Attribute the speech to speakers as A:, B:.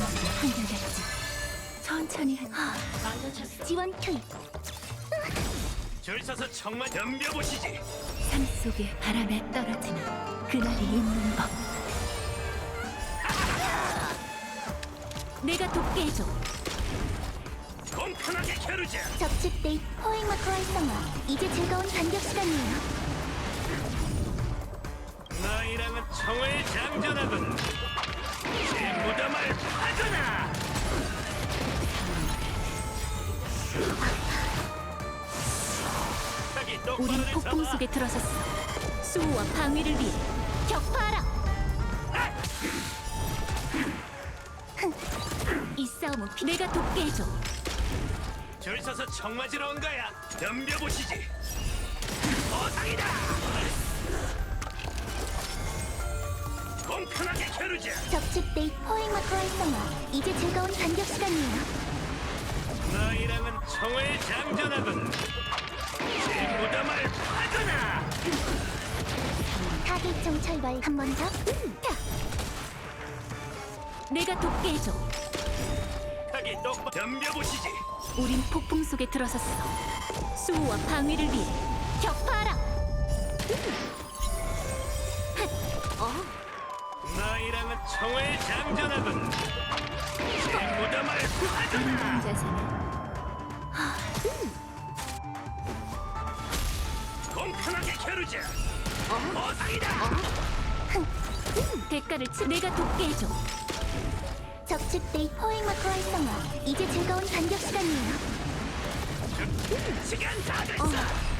A: 한결같지. 천천히 지원 투입.
B: 줄 서서 정말 덤벼보시지.
A: 삶 속에 바람에 떨어지는 그날이 있는 법. 내가 돕게 해줘.
B: 공평하게 겨루자.
C: 적집 데이트 포획 마크 활성화. 이제 즐거운 반격 시간이에요.
B: 너희랑은 청을 장전하군. 제 무덤을 파거나. 자기 똑바로
A: 우린 폭풍
B: 잡아.
A: 속에 들어섰어. 수호와 방위를 위해 격파하라. 이 싸움은 내가 돕게 해줘.
B: 줄 서서 청 맞으러 온 거야. 덤벼보시지. 보상이다. 공평하게 겨루자.
C: 적집 데이트 포획 마크 활성화. 이제 즐거운 반격 시간이에요.
B: 너희랑은 청을 장전하군. 제 무덤을 파거나.
C: 타겟 철발 한 번 더.
A: 내가 돕게 해줘.
B: 자기 똑바로 덤벼보시지.
A: 우린 폭풍 속에 들어섰어. 수호와 방위를 위해 격파하라.
B: 너희랑은 청을 장전하군. 제 무덤을 파거나.
A: 자세는
B: 공평하게 겨루자. 보상이다.
A: 대가를 내가 돕게 해줘.
C: 적집 데이트 포획 마크 활성화. 이제 즐거운 반격 시간이에요.
B: 시간 다 됐어.